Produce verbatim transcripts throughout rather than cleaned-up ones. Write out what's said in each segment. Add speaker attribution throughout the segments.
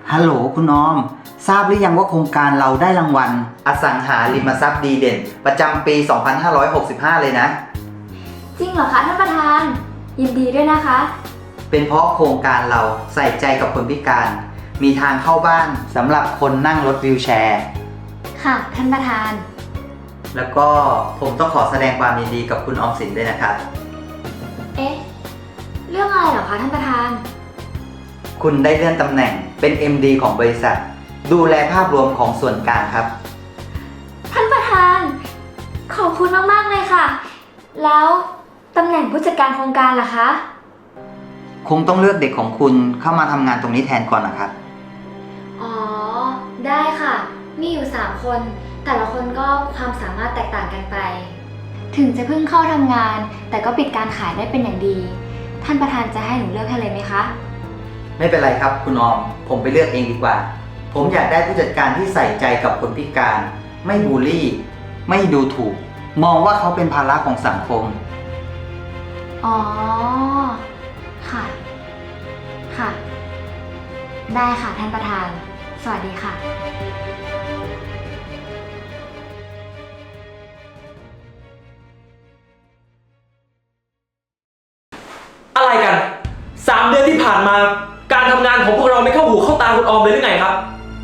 Speaker 1: ฮัลโหลคุณออมทราบหรือยังว่าโครงการเราได้รางวัลอสังหาริมทรัพย์ดีเด่นประจำปี สองพันห้าร้อยหกสิบห้า เลยนะ
Speaker 2: จริงเหรอคะท่านประธานยินดีด้วยนะคะ
Speaker 1: เป็นเพราะโครงการเราใส่ใจกับคนพิการ มีทางเข้าบ้านสำหรับคนนั่งรถวีลแชร์
Speaker 2: ค่ะท่านประธาน
Speaker 1: แล้วก็ผมต้องขอแสดงความยินดีกับคุณออมสินด้วยนะครับ
Speaker 2: เอ๊ะเรื่องอะไรเหรอคะท่านประธาน
Speaker 1: คุณได้เลื่อนตำแหน่งเป็น เอ็ม ดี ของบริษัท ดูแลภาพรวมของส่วนกลางครับ
Speaker 2: ท่านประธานขอบคุณมากๆเลยค่ะ แล้วตำแหน่งผู้จัดการโครงการล่ะคะ
Speaker 1: คงต้องเลือกเด็กของคุณเข้ามาทำงานตรงนี้แทนก่อนนะครับ
Speaker 2: อ๋อได้ค่ะมีอยู่สามคนแต่ละคนก็ความสามารถแตกต่างกันไป ถึงจะเพิ่งเข้าทำงาน แต่ก็ปิดการขายได้เป็นอย่างดี ท่านประธานจะให้หนูเลือกให้เลยไหมคะ
Speaker 1: ไม่เป็นไรครับคุณออม ผมไปเลือกเองดีกว่า ผมอยากได้ผู้จัดการที่ใส่ใจกับคนพิการ ไม่บูลลี่ ไม่ดูถูก มองว่าเขาเป็นภาระของสังคม
Speaker 2: อ๋อค่ะค่ะ ได้ค่ะท่านประธาน สวัสดีค่ะ
Speaker 3: อะไรกันสามเดือนที่ผ่านมาการทำงานของพวกเราไม่เข้าหูเข้าตาคุณออมเลยหรือไงครับ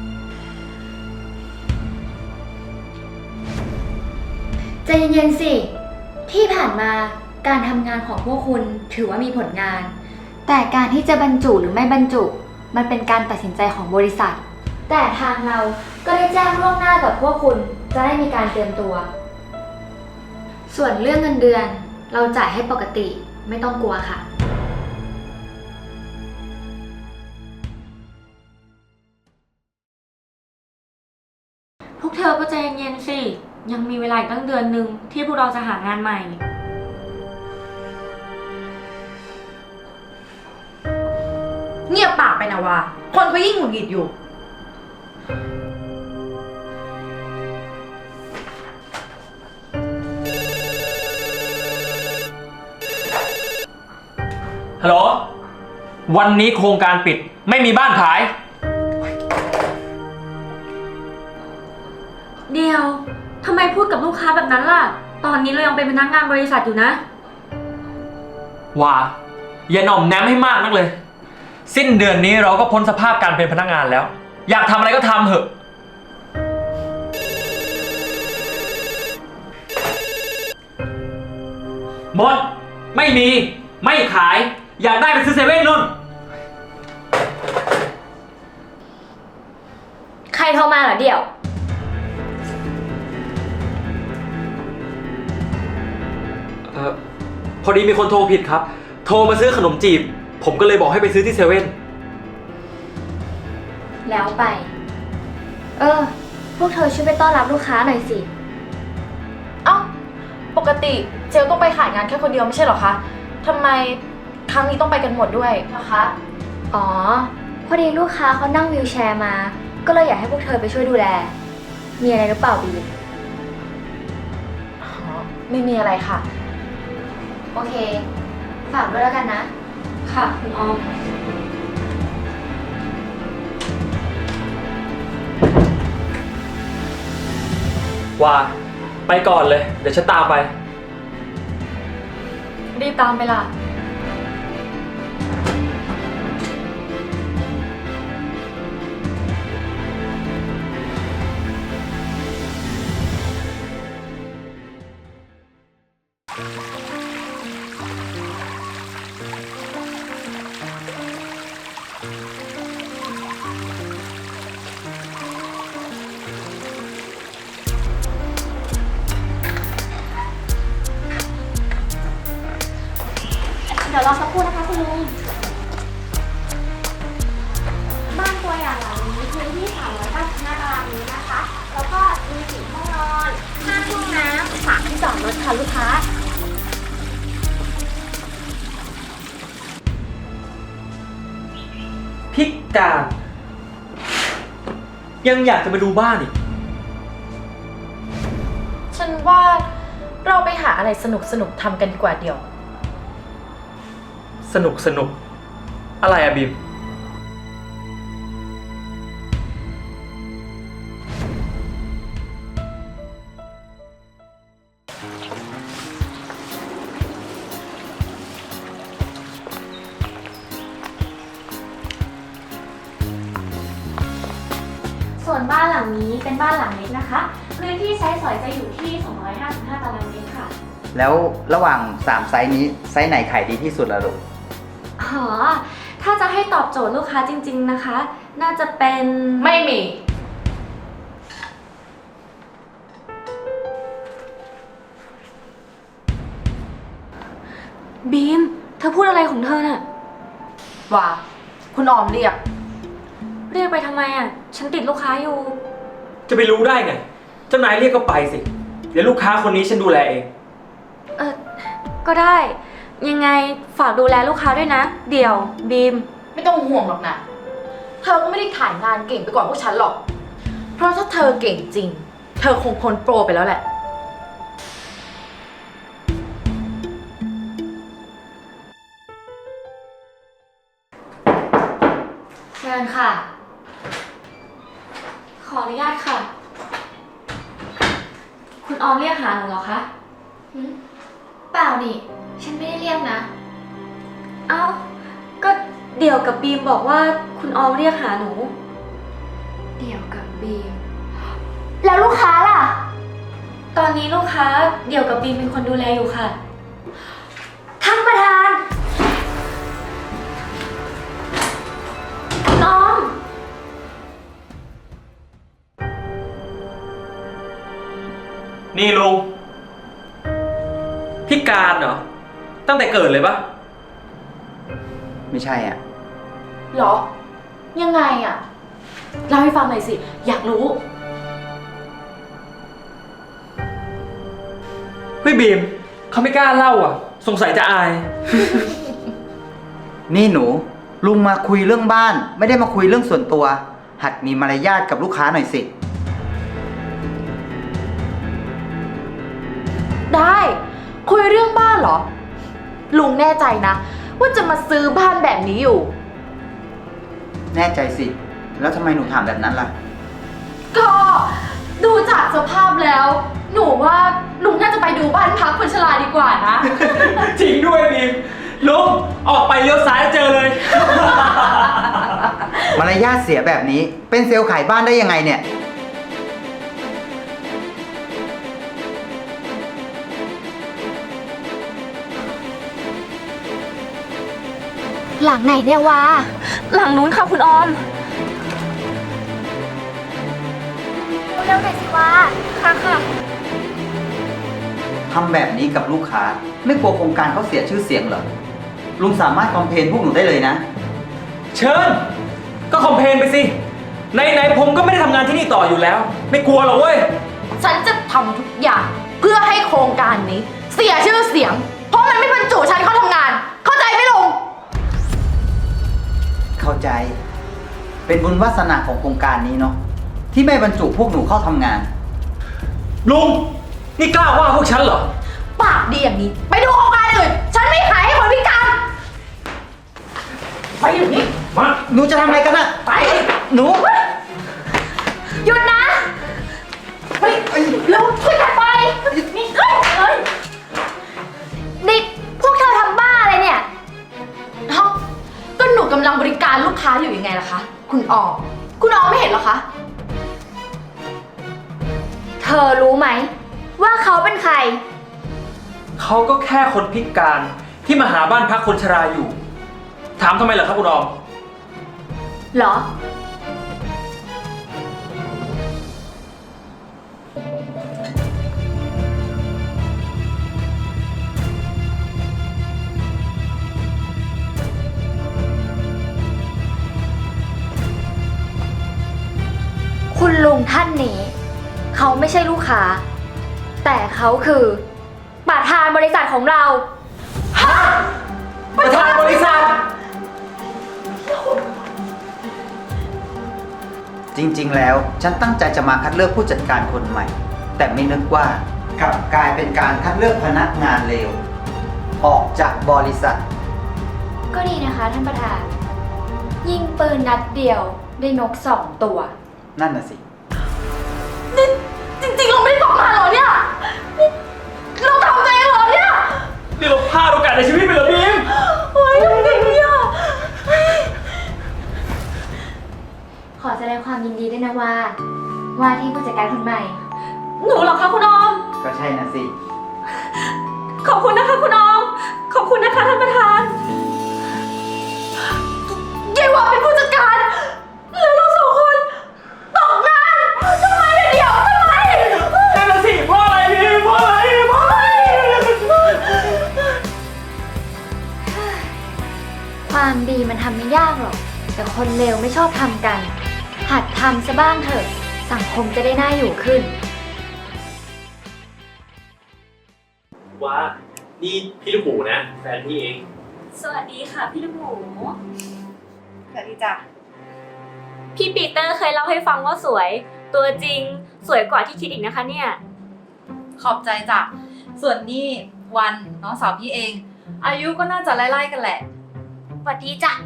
Speaker 2: ใจเย็นๆสิ ที่ผ่านมาการทำงานของพวกคุณถือว่ามีผลงาน แต่การที่จะบรรจุหรือไม่บรรจุมันเป็นการตัดสินใจของบริษัท แต่ทางเราก็ได้แจ้งล่วงหน้ากับพวกคุณจะได้มีการเตรียมตัว ส่วนเรื่องเงินเดือนเราจ่ายให้ปกติไม่ต้องกลัวค่ะ
Speaker 4: พวกเธอก็ใจเย็นๆสิ ยังมีเวลาอีกตั้งเดือนหนึ่งที่พวกเราจะหางานใหม่
Speaker 5: เงียบปากไปนะวะคนเขายิ่งหงุดหงิดอยู่
Speaker 3: ฮัลโหล วันนี้โครงการปิดไม่มีบ้านขาย
Speaker 4: เดียวทำไมพูดกับลูกค้าแบบนั้นล่ะ ตอนนี้เรายังเป็นพนักงานบริษัทอยู่นะ
Speaker 3: ว่าอย่าหน่อมแนมให้มากนักเลย สิ้นเดือนนี้เราก็พ้นสภาพการเป็นพนักงานแล้ว อยากทำอะไรก็ทำเถอะหมดไม่มีไม่ขาย อยากได้ไปซื้อเซเว่นนู่น
Speaker 2: ใครโทรมาเหรอเดี่ยว
Speaker 3: เออพอดีมีคนโทรผิดครับ โทรมาซื้อขนมจีบ ผมก็เลยบอกให้ไปซื้อที่เซเว่น
Speaker 2: แล้วไป เออ พวกเธอช่วยไปต้อนรับลูกค้าหน่อยสิ
Speaker 5: เอ้า ปกติเจลต้องไปขายงานแค่คนเดียวไม่ใช่เหรอคะทำไมครั้งนี้ต้องไปกันหมดด้วยนะคะ
Speaker 2: อ๋อ พอดีลูกค้าเขานั่งวีลแชร์มา ก็เลยอยากให้พวกเธอไปช่วยดูแล มีอะไรหรือเปล่าบีม
Speaker 5: อ๋อ ไม่มีอะไรค่ะ
Speaker 2: โอเค ฝากด้วยแล้วกันนะ
Speaker 4: ค่ะคุณออม
Speaker 3: ว่าไปก่อนเลย เดี๋ยวฉันตามไป
Speaker 4: รีบตามไปล่ะ
Speaker 2: เดี๋ยวรอสักครู่นะคะคุณลุง บ้านตัวอย่างหลังนี้พื้นที่สามร้อยเก้าสิบห้าตารางเมตรนะคะ แล้วก็มีสี่ห้องนอนห้าห้องน้ำสามที่จอดรถค่ะลูกค้า
Speaker 3: พิการ ยังอยากจะมาดูบ้านอีก
Speaker 5: ฉันว่าเราไปหาอะไรสนุกสนุกๆทำกันดีกว่าเดี๋ยว
Speaker 3: สนุกสนุกอะไรอะบีม
Speaker 4: ส่วนบ้านหลังนี้เป็นบ้านหลังเล็กนะคะพื้นที่ใช้สอยจะอยู่ที่ สองร้อยห้าสิบห้า ตารางเมตรค่ะ
Speaker 1: แล้วระหว่างสามไซส์นี้ไซส์ไหนขายดีที่สุดล่ะลูก
Speaker 4: อ๋อ ถ้าจะให้ตอบโจทย์ลูกค้าจริงๆนะคะ น่าจะเป็น
Speaker 5: ไม่มี
Speaker 4: บีม เธอพูดอะไรของเธอน่ะ
Speaker 5: ว่า คุณออมเรียก
Speaker 4: เรียกไปทำไมอ่ะ ฉันติดลูกค้าอยู่
Speaker 3: จะไปรู้ได้ไง เจ้านายเรียกก็ไปสิ เดี๋ยวลูกค้าคนนี้ฉันดูแลเอง
Speaker 4: เออ ก็ได้ ยังไงฝากดูแลลูกค้าด้วยนะ เดี๋ยว บีม
Speaker 5: ไม่ต้องห่วงหรอกนะ เธอก็ไม่ได้ขายงานเก่งไปกว่าพวกฉันหรอก เพราะถ้าเธอเก่งจริง เธอคงพ้นโปรไปแล้วแหละ
Speaker 2: เชิญค่ะ
Speaker 4: ขออนุญาตค่ะ คุณออมเรียกหาหนูเหรอคะ
Speaker 2: หืมเปล่านี่ ฉันไม่ได้เรียกนะ
Speaker 4: เอ้า ก็เดี่ยวกับบีมบอกว่าคุณออมเรียกหาหนู
Speaker 2: เดี่ยวกับบีม แล้วลูกค้าล่ะ
Speaker 4: ตอนนี้ลูกค้าเดี่ยวกับบีมเป็นคนดูแลอยู่ค่ะ
Speaker 2: ท่านประธาน
Speaker 4: คุณออม
Speaker 3: นี่ลุงพิการเหรอ ตั้งแต่เกิดเลยปะ
Speaker 1: ไม่ใช่อ่ะ
Speaker 5: เหรอ ยังไงอะเล่าให้ฟังหน่อยสิ อยากรู้
Speaker 3: เฮ้ยบีมเขาไม่กล้าเล่าอ่ะ สงสัยจะอาย
Speaker 1: นี่หนู ลุงมาคุยเรื่องบ้าน ไม่ได้มาคุยเรื่องส่วนตัว หัดมีมารยาทกับลูกค้าหน่อยสิ
Speaker 5: ได้ คุยเรื่องบ้านเหรอ ลุงแน่ใจนะ ว่าจะมาซื้อบ้านแบบนี้อยู่
Speaker 1: แน่ใจสิ แล้วทำไมหนูถามแบบนั้นล่ะ
Speaker 5: ก็ดูจากสภาพแล้ว หนูว่าลุงน่าจะไปดูบ้านพักคนชราดีกว่านะ
Speaker 3: จริงด้วยบีมลุงออกไปเลี้ยวซ้ายเจอเลย
Speaker 1: มารยาทเสียแบบนี้ เป็นเซลล์ขายบ้านได้ยังไงเนี่ย
Speaker 2: หลังไหนเนี่ยวะ
Speaker 4: หลังนู้นค่ะคุณออม
Speaker 2: เร็วๆหน่อยสิวะ
Speaker 4: ค่ะค่ะ
Speaker 1: ทำแบบนี้กับลูกค้า ไม่กลัวโครงการเขาเสียชื่อเสียงเหรอ ลุงสามารถคอมเพลนพวกหนูได้เลยนะ
Speaker 3: เชิญ ก็คอมเพลนไปสิไหนๆผมก็ไม่ได้ทำงานที่นี่ต่ออยู่แล้ว ไม่กลัวหรอกเว้ย
Speaker 5: ฉันจะทำทุกอย่างเพื่อให้โครงการนี้ เสียชื่อเสียง เพราะมันไม่บรรจุฉันเข้าทำงาน เข้าใจไหมลุง
Speaker 1: เข้าใจ เป็นบุญวาสนาของโครงการนี้เนาะ ที่ไม่บรรจุพวกหนูเข้าทำงาน
Speaker 3: ลุง นี่กล้าว่าพวกฉันเหรอ
Speaker 5: ปากดีอย่างนี้ ไปดูโครงการอื่น ฉันไม่ขายให้คนพิการ ไปอยู่นี่
Speaker 3: มา
Speaker 1: หนูจะทำอะไรกันอะ
Speaker 5: ไป
Speaker 1: หนู
Speaker 5: หยุดนะเฮ้ยเร็วช่วยกันไป นี่เฮ้ยเฮ้ย
Speaker 2: นี่พวกเธอทำบ้าอะไรเนี่ย
Speaker 5: เอ้าก็หนูกำลังบริการลูกค้าอยู่ยังไงล่ะคะ คุณออม คุณออมไม่เห็นเหรอคะ
Speaker 2: เธอรู้ไหม ว่าเขาเป็นใคร
Speaker 3: เขาก็แค่คนพิการที่มาหาบ้านพักคนชราอยู่ ถามทำไมเหรอครับคุณออม
Speaker 2: เหรอ คุณลุงท่านนี้ เขาไม่ใช่ลูกค้า แต่เขาคือประธานบริษัทของเรา
Speaker 3: ประธานบริษัท
Speaker 1: จริงๆ แล้วฉันตั้งใจจะมาคัดเลือกผู้จัดการคนใหม่ แต่ไม่นึกว่ากลับกลายเป็นการคัดเลือกพนักงานเลวออกจากบริษัท
Speaker 2: ก็ดีนะคะท่านประธาน ยิงปืนนัดเดียวได้นกสองตัว
Speaker 1: นั่นน่ะสิ
Speaker 5: นี่จริงๆ เราไม่ได้ตกงานเหรอเนี่ยนี่เราทำตัวเองเหรอเนี่ย
Speaker 3: นี่เราพลาดโอกาสในชีวิตไปเหรอบีม
Speaker 5: เฮ้ยทำไงเนี่ย
Speaker 2: ขอแสดงความยินดีด้วยนะว่า ว่าที่ผู้จัดการคนใหม่
Speaker 5: หนูเหรอคะคุณออม
Speaker 1: ก็ใช่นะสิ
Speaker 5: ขอบคุณนะคะคุณออม ขอบคุณนะคะท่านประธานเยาว่าเป็นผู้จัดการ แล้วเราสองคนตกงานทำไมเนี่ยเดี๋ยวทำไม
Speaker 3: นั่นน่ะสิเพราะอะไรพี่เพราะอะไรเพราะอะไร
Speaker 2: ความดีมันทำไม่ยากหรอก แต่คนเลวไม่ชอบทำกัน หัดทำซะบ้างเถอะ สังคมจะได้น่าอยู่ขึ้น
Speaker 6: ว่า นี่พี่ลูกหมูนะ แฟนพี่เอง
Speaker 4: สวัสดีค่ะพี่ลูกหมู
Speaker 5: สวัสดีจ้ะ
Speaker 4: พี่ปีเตอร์เคยเล่าให้ฟังว่าสวย ตัวจริงสวยกว่าที่คิดอีกนะคะเนี่ย
Speaker 5: ขอบใจจ้ะ ส่วนนี่วันน้องสาวพี่เอง อายุก็น่าจะไล่ๆกันแหละ
Speaker 4: สวัสดีจ้ะ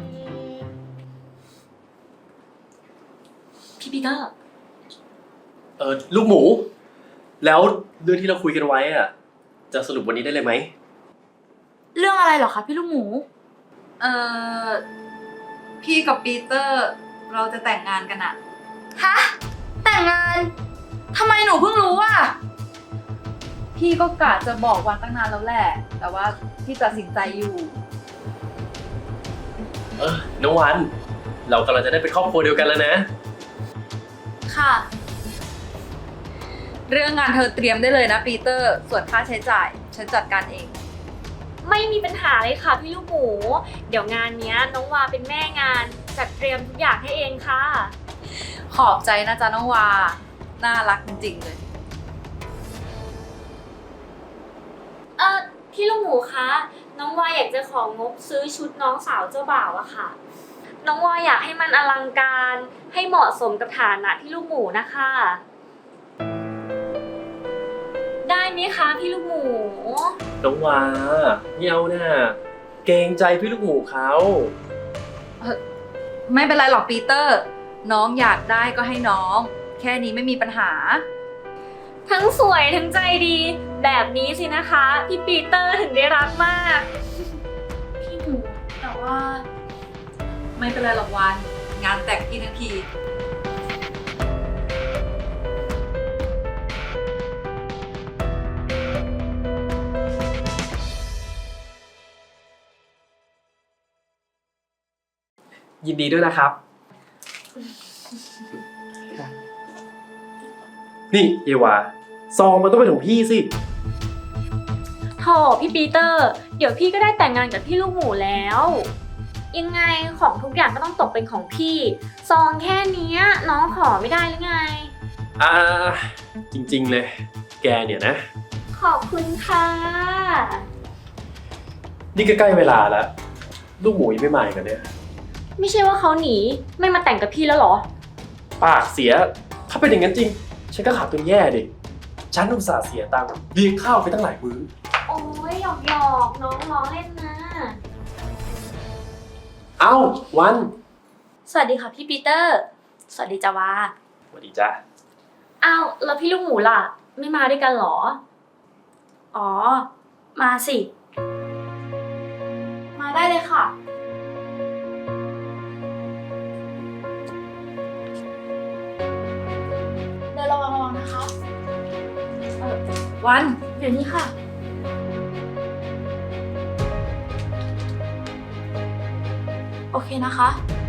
Speaker 4: พี่ปีเตอร์
Speaker 6: เออลูกหมู แล้วเรื่องที่เราคุยกันไว้อะจะสรุปวันนี้ได้เลยไหม
Speaker 5: เรื่องอะไรเหรอคะพี่ลูกหมู เอ่อ พี่กับปีเตอร์เราจะแต่งงานกันอะฮะ แต่งงาน ทำไมหนูเพิ่งรู้อะพี่ก็กะจะบอกวันตั้งนานแล้วแหละ แต่ว่าพี่ตัดสินใจอยู่
Speaker 6: เออน้องวัน เรากำลังจะได้เป็นครอบครัวเดียวกันแล้วนะ
Speaker 5: ค่ะ เรื่องงานเธอเตรียมได้เลยนะปีเตอร์ ส่วนค่าใช้จ่ายฉันจัดการเอง
Speaker 4: ไม่มีปัญหาเลยค่ะพี่ลูกหมู เดี๋ยวงานเนี้ยน้องวาเป็นแม่งานจัดเตรียมทุกอย่างให้เองค่ะ
Speaker 5: ขอบใจนะจ๊ะน้องวา น่ารักจริงๆเลย
Speaker 4: เออพี่ลูกหมูคะ น้องวาอยากจะของงบซื้อชุดน้องสาวเจ้าบ่าวอะค่ะ น้องวาอยากให้มันอลังการให้เหมาะสมกับฐานะพี่ลูกหมูนะคะ ได้ไหมคะพี่ลูกหมู
Speaker 6: น้องวาไม่เอาน่ะเกรงใจพี่ลูกหมูเขา
Speaker 5: ไม่เป็นไรหรอกปีเตอร์ น้องอยากได้ก็ให้น้อง แค่นี้ไม่มีปัญหา
Speaker 4: ทั้งสวยทั้งใจดี แบบนี้สินะคะพี่ปีเตอร์ถึงได้รักมาก
Speaker 5: พี่หมูแต่ว่า ไม่เป็นไรหรอกวัน งานแต่งพี่ทั้งที
Speaker 6: ยินดีด้วยนะครับ นี่เยวาซองมันต้องเป็นของพี่สิ
Speaker 4: โถพี่ปีเตอร์ เดี๋ยวพี่ก็ได้แต่งงานกับพี่ลูกหมูแล้ว ยังไงของทุกอย่างก็ต้องตกเป็นของพี่ ซองแค่เนี้ยน้องขอไม่ได้หรือไง
Speaker 6: อ่า จริงๆเลย แกเนี่ยนะ
Speaker 4: ขอบคุณค่ะ
Speaker 6: นี่ก็ใกล้เวลาแล้ว ลูกหมูยังไม่มาอีกเหรอเนี่ย
Speaker 4: ไม่ใช่ว่าเขาหนีไม่มาแต่งกับพี่แล้วเหรอ
Speaker 6: ปากเสีย ถ้าเป็นอย่างนั้นจริง ฉันก็ขาดทุนแย่ดิ ฉันอุตส่าห์เสียตังค์เลี้ยงข้าวไปตั้งหลายมื้อ
Speaker 4: โอ้ยหยอกหยอกน้องล้อเล่นนะ
Speaker 6: เอ้า วัน
Speaker 4: สวัสดีค่ะพี่ปีเตอร์ สวัสดีจ้าวา
Speaker 6: สวัสดีจ้า
Speaker 4: อ้าวแล้วพี่ลูกหมูล่ะ ไม่มาด้วยกันเหรอ อ๋อ มาสิ
Speaker 5: มาได้เลยค่ะ เดินระวังระวังนะคะเออวัน เดี๋ยวนี้ค่ะ โอเคนะคะ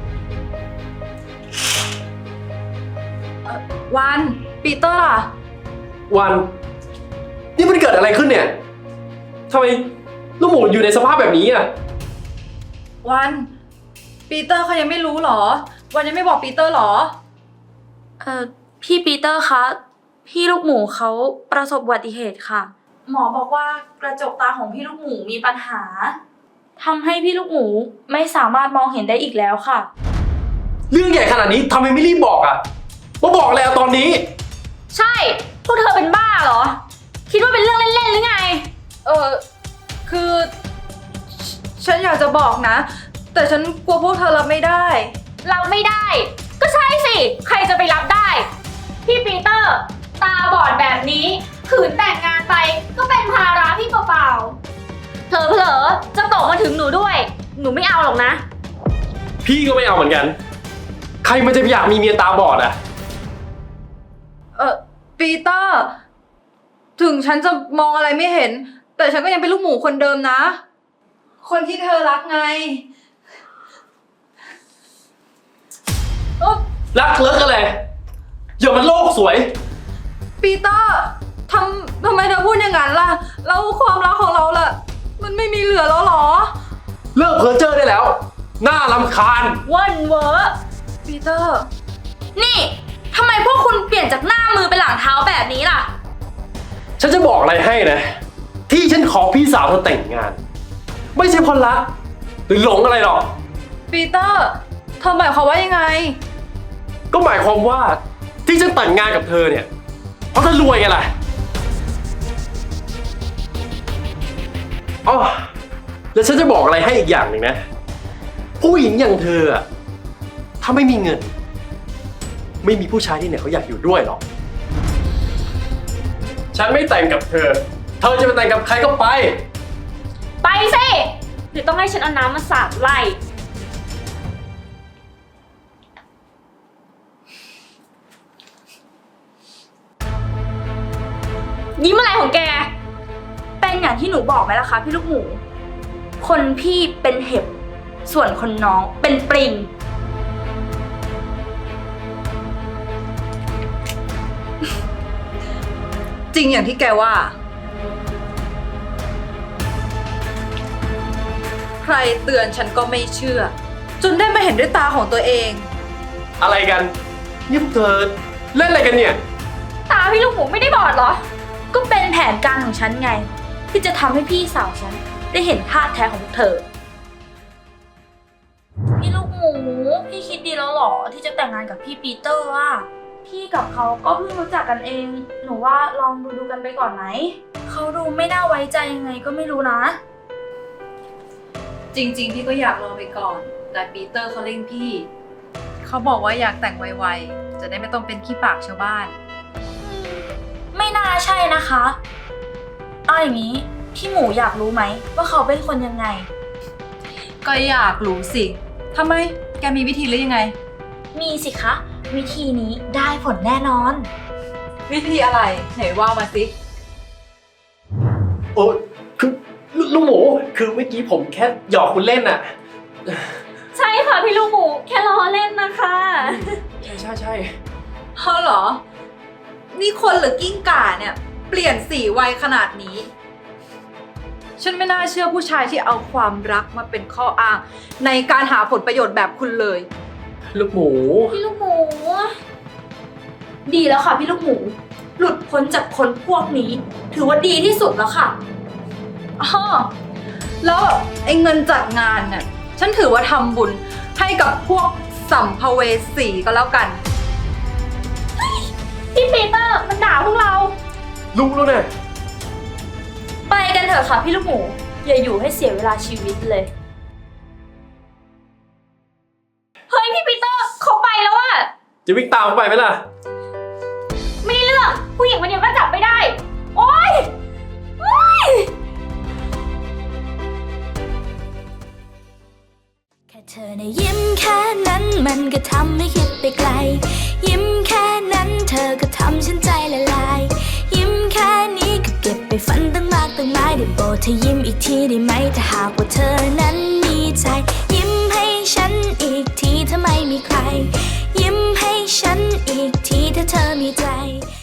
Speaker 5: เอ่อวันปีเตอร์ล่ะ
Speaker 6: วัน นี่มันเกิดอะไรขึ้นเนี่ยทำไมลูกหมูอยู่ในสภาพแบบนี้อ่ะ
Speaker 5: วันปีเตอร์เขายังไม่รู้เหรอ วันยังไม่บอกปีเตอร์เหรอ
Speaker 7: เอ่อพี่ปีเตอร์คะ พี่ลูกหมูเขาประสบอุบัติเหตุค่ะ
Speaker 5: หมอบอกว่ากระจกตาของพี่ลูกหมูมีปัญหา
Speaker 7: ทำให้พี่ลูกหมูไม่สามารถมองเห็นได้อีกแล้วค่ะ
Speaker 6: เรื่องใหญ่ขนาดนี้ทำไมไม่รีบบอกอ่ะมาบอกแล้วตอนนี้
Speaker 4: ใช่ พวกเธอเป็นบ้าเหรอ คิดว่าเป็นเรื่องเล่นๆหรือไง
Speaker 5: เออคือ ฉันอยากจะบอกนะ แต่ฉันกลัวพวกเธอรับไม่ได้
Speaker 4: รับไม่ได้ ก็ใช่สิ ใครจะไปรับได้ พี่ปีเตอร์ ตาบอดแบบนี้ขืนแต่งงานไปก็เป็นภาระพี่เปล่าๆเผลอๆจะตกมาถึงหนูด้วย หนูไม่เอาหรอกนะ
Speaker 6: พี่ก็ไม่เอาเหมือนกันใครมันจะอยากมีเมียตาบอดอะ
Speaker 5: เออปีเตอร์ ถึงฉันจะมองอะไรไม่เห็น แต่ฉันก็ยังเป็นลูกหมูคนเดิมนะ คนที่เธอรักไงเออ
Speaker 6: รักเลิกอะไรอย่ามันโลกสวย
Speaker 5: ปีเตอร์ทำทำไมเธอพูดอย่างนั้นล่ะ แล้วความรักของเราล่ะ มันไม่มีเหลือแล้วหรอ
Speaker 6: เลิกเพ้อเจ้อได้แล้ว น่ารำคาญ
Speaker 7: เว่นเวอร์
Speaker 5: ปีเตอร์
Speaker 7: นี่ทำไมพวกคุณเปลี่ยนจากหน้ามือเป็นหลังเท้าแบบนี้ล่ะ
Speaker 6: ฉันจะบอกอะไรให้นะ ที่ฉันขอพี่สาวเธอแต่งงาน ไม่ใช่เพราะรักหรือหลงอะไรหรอก
Speaker 5: ปีเตอร์เธอหมายความว่ายังไง
Speaker 6: ก็หมายความว่าที่ฉันแต่งงานกับเธอเนี่ยเพราะเธอรวยไงล่ะอ๋อแล้วฉันจะบอกอะไรให้อีกอย่างหนึ่งนะ ผู้หญิงอย่างเธออะถ้าไม่มีเงิน ไม่มีผู้ชายที่ไหนเขาอยากอยู่ด้วยหรอก ฉันไม่แต่งกับเธอ เธอจะไปแต่งกับใครก็ไป
Speaker 4: ไปสิหรือต้องให้ฉันเอาน้ำมาสาดไล่ยิ้มอะไรของแก
Speaker 7: เป็นอย่างที่หนูบอกไหมล่ะคะพี่ลูกหมู คนพี่เป็นเห็บ ส่วนคนน้องเป็นปลิง
Speaker 5: จริงอย่างที่แกว่า ใครเตือนฉันก็ไม่เชื่อ จนได้มาเห็นด้วยตาของตัวเอง
Speaker 6: อะไรกันนี่พวกเธอเล่นอะไรกันเนี่ย
Speaker 4: ตาพี่ลูกหมูไม่ได้บอดเหรอ
Speaker 7: ก็เป็นแผนการของฉันไง ที่จะทำให้พี่สาวฉันได้เห็นท่าแท้ของพวกเธอ พี่ลูกหมู พี่คิดดีแล้วเหรอที่จะแต่งงานกับพี่ปีเตอร์อ่ะพี่กับเขาก็เพิ่งรู้จักกันเอง หนูว่าลองดูดูกันไปก่อนไหม เขาดูไม่น่าไว้ใจยังไงก็ไม่รู้นะ
Speaker 5: จริงๆ พี่ก็อยากรอไปก่อน แต่ปีเตอร์เขาเร่งพี่ เขาบอกว่าอยากแต่งไวๆ จะได้ไม่ต้องเป็นขี้ปากชาวบ้าน
Speaker 7: ไม่น่าใช่นะคะเอาอย่างนี้พี่หมูอยากรู้ไหมว่าเขาเป็นคนยังไง
Speaker 5: ก็อยากรู้สิทำไม แกมีวิธีหรือยังไง
Speaker 7: มีสิคะ วิธีนี้ได้ผลแน่นอน
Speaker 5: วิธีอะไร ไหนว่ามาสิ
Speaker 6: โอ้คือลูกหมู คือเมื่อกี้ผมแค่หยอกคุณเล่นน่ะ
Speaker 4: ใช่ค่ะพี่ลูกหมูแค่ล้อเล่นนะคะ
Speaker 6: ใช่ใช่ใช่
Speaker 5: เออเหรอ นี่คนหรือกิ้งก่าเนี่ย เปลี่ยนสีไวขนาดนี้ ฉันไม่น่าเชื่อผู้ชายที่เอาความรักมาเป็นข้ออ้าง ในการหาผลประโยชน์แบบคุณเลย
Speaker 6: ลูกหมู
Speaker 7: พี่ลูกหมู ดีแล้วค่ะพี่ลูกหมู หลุดพ้นจากคนพวกนี้ ถือว่าดีที่สุดแล้วค่ะ
Speaker 5: อ้อแล้วไอ้เงินจัดงานเนี่ยฉันถือว่าทำบุญให้กับพวกสัมภเวสีก็แล้วกัน
Speaker 4: พี่ปีเตอร์มันด่าพวกเรา
Speaker 6: รู้แล้วเนี่ย
Speaker 7: ไปกันเถอะค่ะพี่ลูกหมู อย่าอยู่ให้เสียเวลาชีวิตเลย
Speaker 4: เฮ้ยพี่ปีเตอร์เขาไปแล้วอะ
Speaker 6: จะวิ่งตามเขาไปไหมล่ะ
Speaker 4: ไม่ได้เรื่องผู้หญิงคนเดียวก็จับไม่ได้ โอ๊ยโอ๊ย
Speaker 8: แค่เธอในะยิ้มแค่นั้นมันก็ทำให้คิดไปไกล ยิ้มแค่นั้นเธอก็ทำฉันใจละลาย ยิ้มแค่นี้ก็เก็บไปฝันตั้งมากตั้งหลายได้โปรดเธอยิ้มอีกทีได้ไหมถ้าหากว่าเธอนั้นมีใจ ยิ้มให้ฉันอีกทีถ้าไม่มีใคร ยิ้มให้ฉันอีกทีถ้าเธอมีใจ